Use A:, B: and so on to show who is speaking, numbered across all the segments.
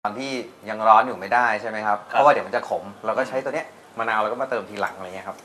A: อนที่ยังร้อนอยู่ไม่ได้ใช่ไหมครับเพราะว่าเดี๋ยวมันจะขมเราก็ใช้ตัวเนี้ยมะนาวเราก็มาเติมทีหลังอะไรเงี้ยครับ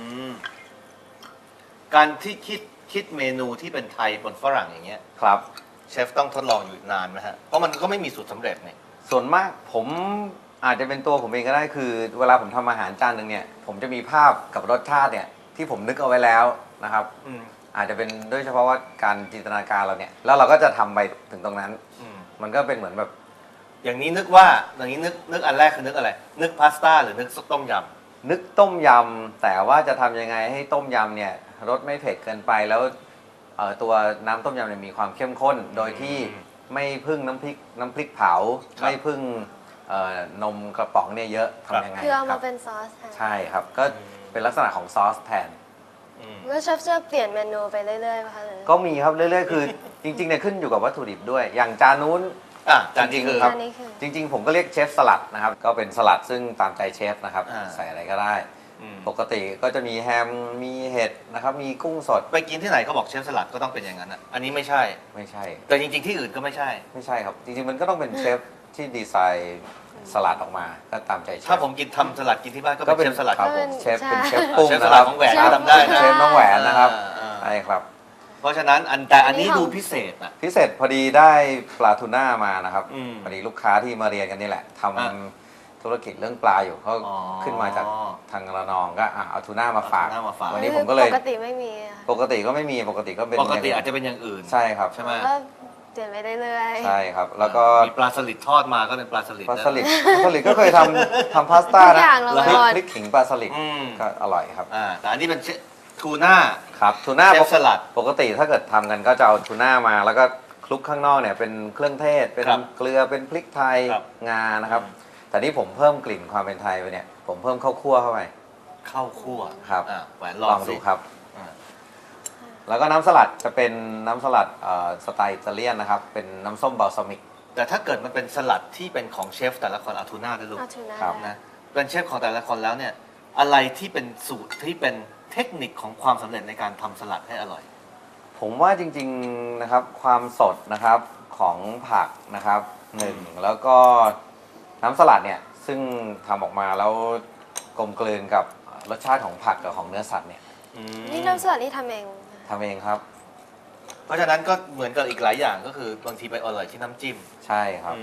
B: การที่คิดเมนูที่เป็นไทยบนฝรั่งอย่างเงี้ย
A: ครับ
B: เชฟต้องทดลองอยู่นานไหมฮะเพราะมันก็ไม่มีสูตรสำเร็จเนี่ย
A: ส่วนมากผมอาจจะเป็นตัวผมเองก็ได้คือเวลาผมทำอาหารจานหนึ่งเนี่ยผมจะมีภาพกับรสชาติเนี่ยที่ผมนึกเอาไว้แล้วนะครับอาจจะเป็นด้วยเฉพาะว่าการจินตนาการเราเนี่ยแล้วเราก็จะทำไปถึงตรงนั้นมันก็เป็นเหมือนแบบ
B: อย่างนี้นึกว่าอย่างนี้นึกอันแรกคือนึกอะไรนึกพาสต้าหรือนึกต้มยำ
A: นึกต้มยำแต่ว่าจะทำยังไงให้ต้มยำเนี่ยรสไม่เผ็ดเกินไปแล้วตัวน้ำต้มยำเนี่ยมีความเข้มข้นโดยที่ไม่พึ่งน้ำพริกเผาไม่พึ่งนมกระป๋องเนี่ยเยอะทำยังไง
C: คือเอามาเป็นซอสแทน
A: ใช่ครับก็เป็นลักษณะของซอสแทน
C: แล้วเชฟจะเปลี่ยนเมนูไปเรื่อยๆป่ะคะเลย
A: ก็มีครับเรื่อยๆคือจริงๆเนี่ยขึ้นอยู่กับวัตถุดิบด้วยอย่างจานนู้น
B: จานนี้คือ
A: ครับจริงๆผมก็เรียกเชฟสลัดนะครับก็เป็นสลัดซึ่งตามใจเชฟนะครับใส่อะไรก็ได้ปกติก็จะมีแฮมมีเห็ดนะครับมีกุ้งสด
B: ไปกินที่ไหนเขาบอกเชฟสลัดก็ต้องเป็นอย่างนั้นอ่ะอันนี้ไม่ใช่แต่จริงๆที่อื่นก็ไม่ใช่
A: ครับจริงๆมันก็ต้องเป็นเชฟที่ดีไซน์สลัดออกมาก็ตามใจเชฟ
B: ถ้าผมกินทำสลัดกินที่บ้านก็เป็นเชฟสลัด
A: ครับผมเชฟเป็นเชฟปุ้ง
B: สลัดของแหวนทำได้นะ
A: เชฟน้องแหวนนะครับใช่ครับ
B: เพราะฉะนั้นแต่อันนี้ดูพิเศษอ่ะ
A: พิเศษพอดีได้ปลาทูน่ามานะครับพอดีลูกค้าที่มาเรียนกันนี่แหละทำธุรกิจเรื่องปลาอยู่เขาขึ้นมาจากทางระนองก็เอาทูน่ามาฝากวันนี้ผมก็เลย
C: ปกติไม่มี
A: ปกติก็ไม่มีปกติก็เป็น
B: ปกติอาจจะเป็นอย่างอื่น
A: ใช่ครับ
B: ใช่ไหม
C: เปลี่ยนไปเรื่อย
A: ๆใช่ครับแล้วก็
B: มีปลาสลิดทอดมาก็เป็นปลาสลิด
A: ก็เคยทำพาสต้านะพริกขิงปลาสลิดก็อร่อยครับ
B: แต่อันนี้เป็นทูน่า
A: ครับทูน่า
B: สลัด
A: ปกติถ้าเกิดทำกันก็จะเอาทูน่ามาแล้วก็คลุกข้างนอกเนี่ยเป็นเครื่องเทศเป็นเกลือเป็นพริกไทยงานะครับแต่นี่ผมเพิ่มกลิ่นความเป็นไทยไปเนี่ยผมเพิ่มข้าวคั่วเข้าไป
B: ข้าวคั่ว
A: ครับ
B: แหวน
A: ลองดูครับแล้วก็น้ำสลัดจะเป็นน้ำสลัดสไตล์อิตาเลียนนะครับเป็นน้ำส้มบัลซามิก
B: แต่ถ้าเกิดมันเป็นสลัดที่เป็นของเชฟแต่ละคนเอาทูน่าด้วยลูกนะเป็นเชฟของแต่ละคนแล้วเนี่ยอะไรที่เป็นสูตรที่เป็นเทคนิคของความสำเร็จในการทำสลัดให้อร่อย
A: ผมว่าจริงๆนะครับความสดนะครับของผักนะครับหนึ่งแล้วก็น้ำสลัดเนี่ยซึ่งทำออกมาแล้วกลมกลืนกับรสชาติของผักกับของเนื้อสัตว์เนี่ย
C: นี่น้ำสลัดนี่ทำเอง
A: ครับ
B: เพราะฉะนั้นก็เหมือนกับอีกหลายอย่างก็คือบางทีไปอร่อยที่น้ำจิ้ม
A: ใช่ครับ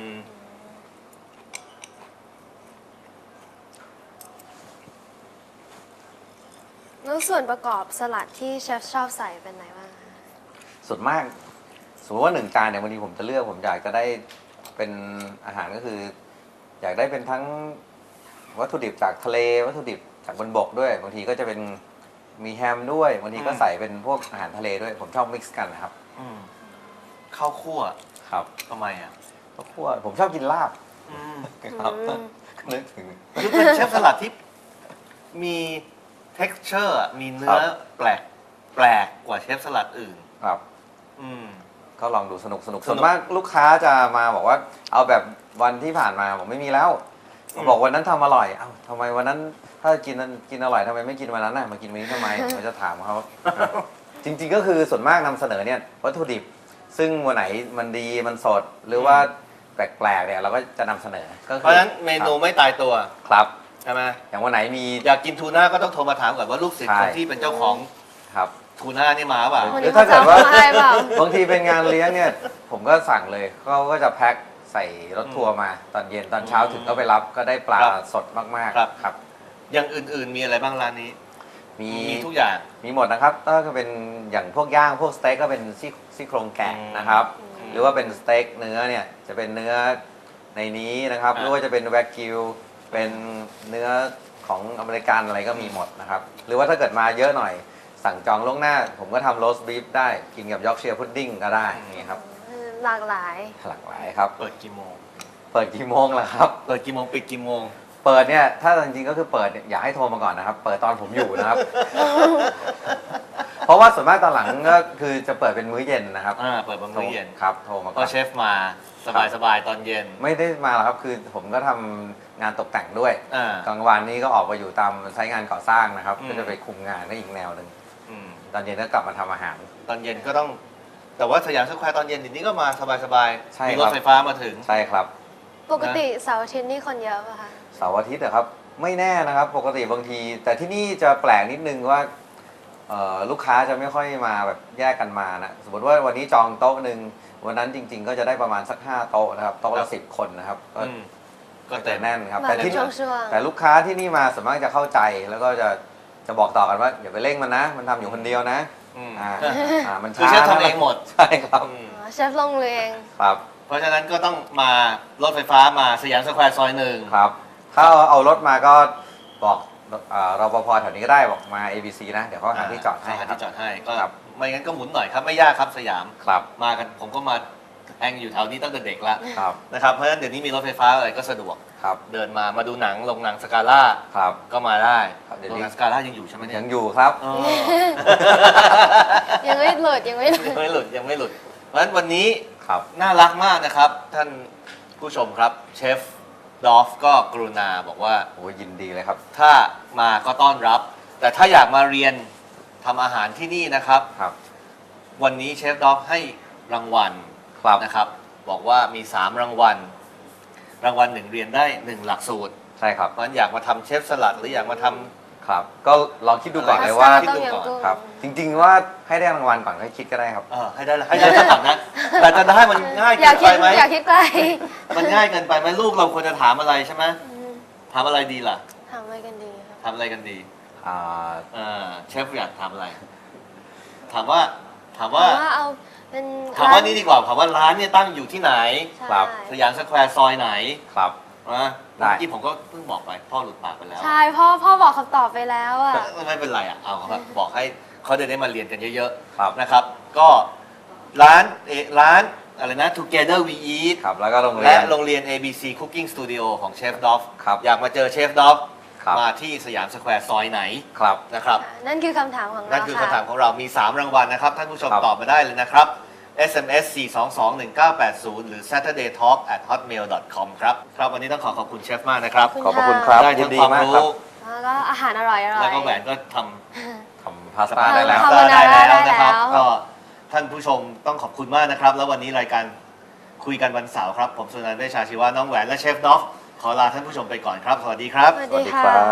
C: แล้วส่วนประกอบสลัดที่เชฟชอบใส่เป็นไหนบ้าง
A: ส่วนมากสมมติว่า1 จานเนี่ยวันนี้ผมจะเลือกผมอยากจะได้เป็นอาหารก็คืออยากได้เป็นทั้งวัตถุดิบจากทะเลวัตถุดิบจากบนบกด้วยบางทีก็จะเป็นมีแฮมด้วยบางทีก็ใส่เป็นพวกอาหารทะเลด้วยผมชอบมิกซ์กันนะครับ
B: ข้าวคั่ว
A: ครับ
B: ทำไมอ่ะ
A: ข้าวคั่วผมชอบกินลาบครับนึกถึง
B: คือเป็นเชฟสลัดที่มี texture มีเนื้อแปลกกว่าเชฟสลัดอื่น
A: ครับก็ลองดูสนุกส่วนมากลูกค้าจะมาบอกว่าเอาแบบวันที่ผ่านมาผมไม่มีแล้วบอกวันนั้นทำอร่อยเอ้าทำไมวันนั้นถ้ากินอร่อยทำไมไม่กินวันนั้นน่ะมากินวันนี้ทำไมผมจะถามเขาจริงๆก็คือส่วนมากนำเสนอเนี่ยวัตถุดิบซึ่งวันไหนมันดีมันสดหรือว่าแปลกๆเนี่ยเราก็จะนำเสนอ
B: เพราะฉะนั้นเมนูไม่ตายตัว
A: ครับ
B: ใช่ไหม
A: อย่างวันไหนมี
B: อยากกินทูน่าก็ต้องโทรมาถามก่อนว่าลูกศิษย์คนที่เป็นเจ้าของ
A: ครับ
B: ทูน่านี่มาเปล่า
A: หรือถ้าเกิดว่าบางทีเป็นงานเลี้ยงเนี่ยผมก็สั่งเลยเขาก็จะแพ็คใส่รถทัวร์มาตอนเย็นตอนเช้าถึงก็ไปรับก็ได้ปลาสดมากๆครับ
B: อย่างอื่นๆมีอะไรบ้างร้านนี้
A: มี
B: ทุกอย่าง
A: มีหมดนะครับก็เป็นอย่างพวกย่างพวกสเต็กก็เป็นซี่โครงแกะนะครับหรือว่าเป็นสเต็กเนื้อเนี่ยจะเป็นเนื้อในนี้นะครับหรือว่าจะเป็นแวกกิวเป็นเนื้อของอเมริกันอะไรก็มีหมดนะครับหรือว่าถ้าเกิดมาเยอะหน่อยสั่งจองล่วงหน้าผมก็ทำโรสต์บีฟได้กินกับยอร์กเชียร์พุดดิ้งก็ได้นี่ครับ
C: หลากหลาย
A: ครับ
B: เปิดกี่โมง
A: ล่ะครับ
B: เปิดกี่โมงปิดกี่โมง
A: เปิดเนี่ยถ้าจริงๆก็คือเปิดอยากให้โทรมาก่อนนะครับเปิดตอนผมอยู่นะครับเพราะว่าส่วนมากตอนหลังก็คือจะเปิดเป็นมื้อเย็นนะครับ
B: เปิดเป็นมื้อเย็น
A: ครับโทรมา
B: ก็เชฟมาสบายตอนเย็น
A: ไม่ได้มาหรอกครับคือผมก็ทำงานตกแต่งด้วยกลางวันนี้ก็ออกไปอยู่ตามไซต์งานก่อสร้างนะครับก็จะไปคุมงานได้อีกแนวหนึ่งตอนเย็นก็กลับมาทำอาหาร
B: ตอนเย็นก็ต้องแต่ว่าสยามสแควร์ตอนเย็นนี้ก็มาสบายมีรถไฟฟ้ามาถึง
A: ใช่ครับ
C: ปกติเสาร์อาทิตย์นี่คนเยอะป่ะคะ
A: เสาร์อาทิตย์นะครับไม่แน่นะครับปกติบางที แต่ที่นี่จะแปลกนิดนึงว่าลูกค้าจะไม่ค่อยมาแบบแยกกันมานะสมมติว่าวันนี้จองโต๊ะหนึ่งวันนั้นจริง ๆ ก็จะได้ประมาณสัก5โต๊ะนะครับโต๊ะละ10 คนนะครับก็แต่แน่นครับ
C: มา
A: แต่
C: เป็น
A: ที่
C: ช่วง
A: แต่ลูกค้าที่นี่มาส่วนมากจะเข้าใจแล้วก็จะบอกต่อกันว่าอย่าไปเร่งมันนะ มันทำอยู่คนเดียวนะ
B: อืม
A: มัน
B: คือ
A: ช้า
B: เชฟทำเองหมด
A: ใช่ครับ
B: อืม
C: เชฟลงเรียง
A: ครับ
B: เพราะฉะนั้นก็ต้องมารถไฟฟ้ามาสยามสแควร์ซอยหนึ่ง
A: ครับถ้าเอารถมาก็บอกรปภแถวนี้ก็ได้บอกมา ABC นะเดี๋ยวเขาหาที่จอดให้
B: หา
A: ครั
B: ที่
A: บ
B: จอดให้ก็
A: ครับ
B: ไม่งั้นก็หมุนหน่อยครับไม่ยากครับสยาม
A: ครับ
B: มากันผมก็มาแองอยู่แถวนี้ตั้งแต่เด็กแล้ว
A: ครับ
B: นะครับเพราะฉะนั้นเดี๋ยวนี้มีรถไฟฟ้าอะไรก็สะดวก
A: ครับ
B: เดินมาดูหนังลงหนังสกาล่า
A: ครับ
B: ก็มาได้
A: ครับเดี๋ยว
B: โรง
A: นี้
B: หนังสกาล่ายังอยู่ใช่ไหมเนี่ย
A: ยังอยู่ครับ
B: อ๋อ
C: ยังไม่หลุดยังไม่หลุด
B: ยังไม่หลุดยังไม่หลุดเพราะฉะนั้นวันนี้
A: ครับ
B: น่ารักมากนะครับ ท่านผู้ชมครับเชฟดอฟก็กรุณาบอกว่า
A: โอ้ยินดีเลยครับ
B: ถ้ามาก็ต้อนรับ แต่ถ้าอยากมาเรียนทำอาหารที่นี่นะครับ
A: ครับ
B: วันนี้เชฟดอฟให้รางวัล
A: ครับ
B: นะครับ บอกว่ามี 3 รางวัล รางวัล1เรียนได้ 1 หลักสูตร
A: ใช่ครับ
B: เพราะฉะนั้นอยากมาทำเชฟสลัดหรืออยากมาทำ
A: ครับ ก็ลองคิดดูก่อน
B: อะไร
A: เลยว่า
B: คิดดูก่อน
A: ครับ จริง ๆ ว่าให้ได้รางวัลก่อนค่อยคิดก็ได้ครับ
B: ให้ได้สลัดนะ แต่จะได้มันง่าย
C: อ
B: เกิ
C: ยาก
B: น
C: คิ
B: ไป
C: ด
B: ไหม
C: อยากคิดไกล
B: มันง่ายเกินไปไหมลูกเราควรจะถามอะไรใช่ไหม
C: อืม
B: ถามอะไรดีล่ะ
C: ทำอะไรกันดีครับ
B: ถามอะไรกันดี
A: อ่า
B: เชฟอยากถามอะไร ถามว่า
C: ถามว่าเอาเป็น
B: ถามว่านี่ดีกว่าถามว่าร้านเนี่ยตั้งอยู่ที่ไหน
C: ใช่
A: ครับ
B: สยามสแควร์ซอยไหน
A: ครับ
B: นะ
A: ได้
B: เมื่อกี้ผมก็เพิ่งบอกไปพ่อหลุดปากไปแล้ว
C: ใช่พ่อบอกคำตอบไปแล้วอ่ะ
B: ไม่เป็นไรอ่ะเอาครับบอกให้เขาได้มาเรียนกันเยอะ
A: ครับ
B: ๆนะครับ ก็ร้านอะไรนะ Together We Eat
A: ครับ แล้วก็โรงเรี
B: และ
A: ยน
B: โรงเรียน ABC Cooking Studio ของเชฟดอฟ
A: ครับ
B: อยากมาเจอเชฟดอฟ
A: ครับ
B: มาที่สยามสแควร์ซอยไหน
A: ครับ
B: นะครับ
C: นั่นคือคำถามของเรา
B: นั่นคือ
C: ค่ะ
B: คำถามของเรามี 3 รางวัลนะครับ ท่านผู้ชม
A: ครับ
B: ตอบมาได้เลยนะครับ SMS 4221980 หรือ saturdaytalk@hotmail.com ครับครับ วันนี้ต้องขอบคุณเชฟมากนะครับ
C: ขอบคุณ
A: ขอบพระคุณครับ
B: ได้
A: ยิ
B: ทั้
A: น
B: ง
A: ดี
B: ความ
A: มากครั
B: รู้
A: บ
C: แล้วก็อาหารอร่อยๆ
B: แล้วก็แหวนก็ท
A: ทำพาสต้าได้แล้ว
C: คา
B: ำ
C: โบนาร่าได้
B: นะครับ
C: แล้ว
B: ก็ท่านผู้ชมต้องขอบคุณมากนะครับ แล้ววันนี้รายการคุยกันวันเสาร์ครับ ผมสุนันท์เวชชาชีวะน้องแหวนและเชฟดอฟขอลาท่านผู้ชมไปก่อนครับ สวัสดีครับ
C: สวัส
A: สวัส
C: ดี
A: ดี
C: ค่ะ
A: ครับ